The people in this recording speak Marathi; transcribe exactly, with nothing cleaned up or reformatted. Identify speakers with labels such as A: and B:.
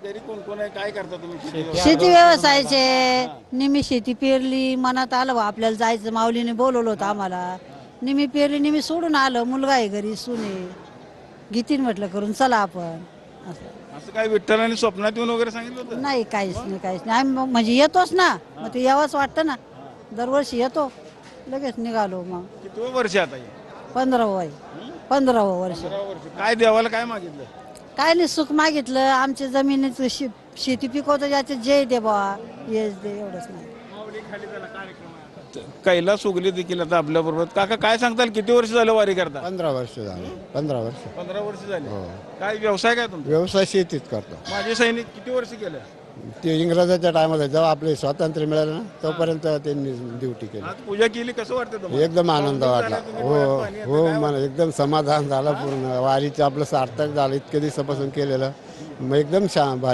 A: शेतकरी कोण कोण आहे, काय करता तुम्ही शेती?
B: शेती व्यवसायाचे निमी शेती पेरली, मनात आलं बा आपल्याला जायचं, माऊलीने बोलवलं होतं आम्हाला. निमी पेरली, निमी सोडून आलं, मुलगा आहे घरी, सुने घेतीन म्हटलं करून, चला आपण असं.
A: असं काय विठ्ठलाने स्वप्नात येऊन वगैरे सांगितलं होतं?
B: नाही, काहीच नाही, काहीच नाही. आम्ही मग म्हणजे येतोच ना, मग ते यावंच वाटतं ना, दरवर्षी येतो, लगेच निघालो. मग
A: किती वर्ष आता हे?
B: पंधरावं आहे, पंधरावं वर्ष.
A: पंधरा वर्ष. काय देवाला काय मागितलं?
B: काय नाही, सुख मागितलं, आमच्या जमिनीचं शे शेती पिकवतं, ज्याचे जय दे बा, येस दे, एवढंच नाही.
A: कैलास उगले देखील आता आपल्या बरोबर. काका काय सांगताल, किती वर्ष झालं वारी करता?
C: पंधरा वर्ष झालं. पंधरा वर्ष
A: पंधरा वर्ष झाले.
C: हो.
A: काय व्यवसाय काय तुमचा?
C: व्यवसाय शेतीत करतो.
A: माझे सैनिक किती वर्ष केलं?
C: ते इंग्रजाच्या टायमाला जेव्हा आपले स्वातंत्र्य मिळालं ना, तोपर्यंत त्यांनी ड्युटी केली.
A: आज पूजा केली, कसं वाटतं तुम्हाला?
C: एकदम आनंद
A: पावसाळ्यात
C: वाटला.
A: तुम्ही
C: हो
A: डोळ्यात पाणी येतं,
C: हो
A: काय
C: मला एकदम समाधान झालं पूर्ण. वारीचं आपलं सार्थक झालं, इतके दिवसापासून केलेलं, मग एकदम छान.